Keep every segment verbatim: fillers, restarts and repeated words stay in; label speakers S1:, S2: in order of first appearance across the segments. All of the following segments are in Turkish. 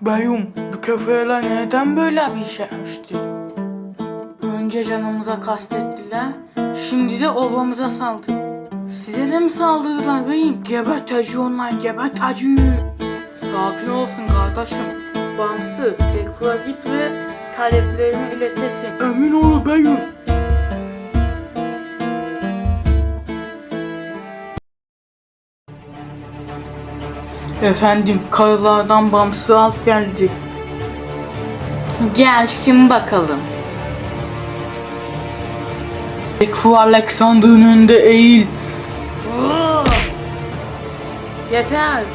S1: Beyim, bu köfeyle neden böyle bir iş yapmıştı? Önce canımıza kastettiler, şimdi de obamıza saldırdı. Size de mi saldırdılar beyim? Gebeteci onlar, gebeteci. Sakin olsun kardeşim. Bamsı, tekrar git ve taleplerimi iletesin. Emin ol beyim. Efendim, karılardan Bamsı alıp geldi. Gelsin bakalım. Tekfu Alexander'ın önünde eğil. Yeter.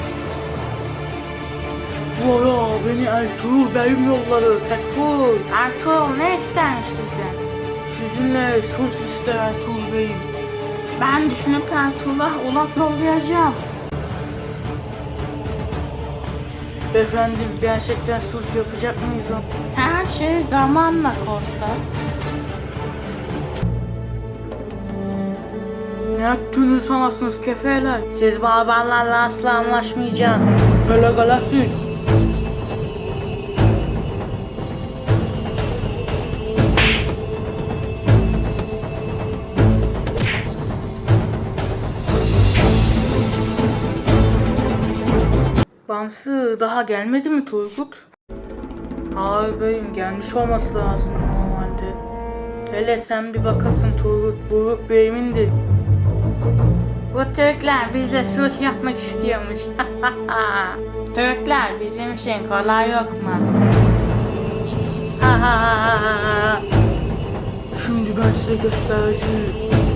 S1: Valla beni Ertuğrul Bey'im yolladı. Tekfur. Ertuğrul ne istermiş bizden? Sizinle sulh ister Ertuğrul Bey'im. Ben düşünüp Ertuğrul'a ulak yollayacağım. Efendim, gerçekten sulh yapacak mıyız o? Her şey zamanla Kostas. Ne yaptığını sanasınız kefeler? Siz barbarlarla asla anlaşmayacağız. Öyle galasın. Bamsı daha gelmedi mi Turgut? Hayır beyim, gelmiş olması lazım normalde. Hele sen bir bakasın Turgut, Buruk beyimindir. Bu Türkler bizle sulh yapmak istiyormuş. Türkler bizim için kolay yok mu? Şimdi ben size göstereceğim.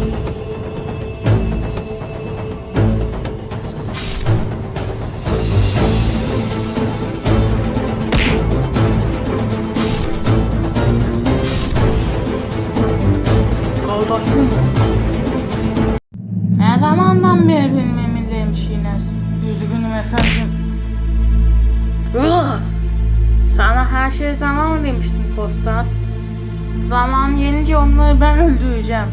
S1: Kardeşim. Ne zamandan beri benim emirliymişsiniz? Üzgünüm efendim. Sana her şey zaman demiştim Kostas. Zaman gelince onları ben öldüreceğim.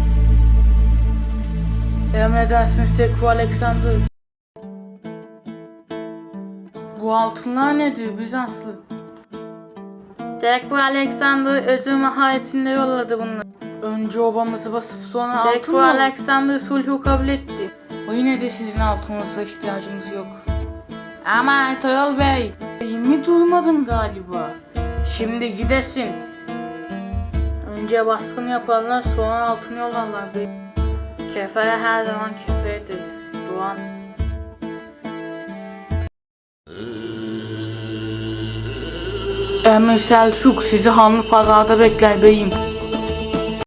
S1: Emredersiniz Tekfu Alexander. Bu altınlar nedir Bizanslı? Tekfu Alexander özür maharetinde yolladı bunları. Önce obamızı basıp sonra altın mı? Tekfu Alexander sulhu kabul etti. O yine de sizin altınıza ihtiyacımız yok. Ama Ertuğrul Bey, mi durmadın galiba? Şimdi gidesin. Önce baskın yaparlar, sonra altın yollarlar. Kefere her zaman kefedir. Doğan. Emir Selçuk sizi Hanlı Pazar'da bekler beyim.